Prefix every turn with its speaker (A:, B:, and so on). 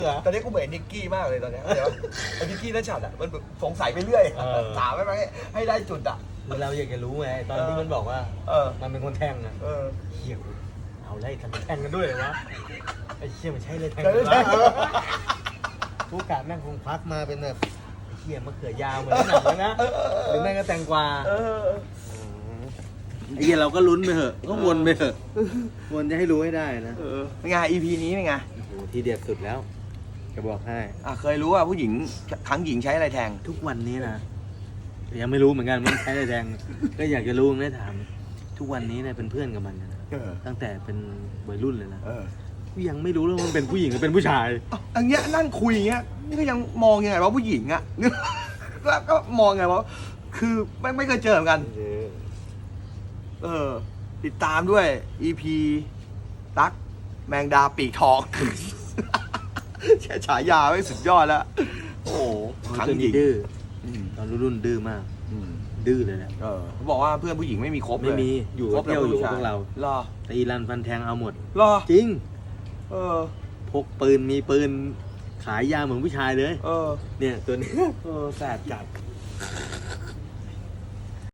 A: ตอนนี้กูเหมือนนิกกี้มากเลยตอนนี้เดี๋ยวไอ้นิกกี้นั่นฉัดอ่ะมันสงสัยไปเรื่อยถามไม่ให้ได้จุดอ่ะ
B: เราอยากจะรู้ไงตอนที่มันบอกว่ามันเป็นคนแทงอ่ะเฮียเอาไล่ทำแทงกันด้วยเลยวะไอ้เฮียมันใช่เลยแทงกันวะผู้การแม่งคงพักมาเป็นแบบไอ้เฮียมะเขือยาวเหมือนหนังเลยนะหรือแม่งก็แตงกวาไอ้เฮียเราก็ลุ้นไปเถอะก็วนไปเถอะวนจะให้รู้ให้ได้นะ
A: เป็นไง EP นี้เป็นไง
B: โอ้โหทีเด็ดสุดแล้วจะบอกให้
A: เคยรู้ว่าผู้หญิงครั้งหญิงใช้อะไรแทง
B: ทุกวันนี้นะยังไม่รู้เหมือนกันมันใช้อะไรแทงก็อยากจะรู้ได้ถามทุกวันนี้เนี่ยเป็นเพื่อนกับมันนะตั้งแต่เป็นวัยรุ่นเลยนะยังไม่รู้เลยว่ามันเป็นผู้หญิงหรือเป็นผู้ชาย
A: อย่างเงี้ยนั่งคุยอย่างเงี้ยนี่ก็ยังมองยังไงว่าผู้หญิงอ่ะก็มองไงว่าคือไม่เคยเจอเหมือนกันติดตามด้วย EP ตั๊กแมงดาปีกทองแค่ฉายาไม่สุดยอดแล้วโอ้โห
B: ครั้งหญิงดื้อตอนรุ่นดื้อมากดื้อเลยแหละ
A: เขาบอกว่าเพื่อนผู้หญิงไม่มีครบเลย
B: ไม่มีอยู่เที่ยวอยู่พวกเราตีรันฟันแทงเอาหมดจริงพกปืนมีปืนขายยาเหมือนผู้ชายเลยเนี่ยตัวนี้
A: แสบจัด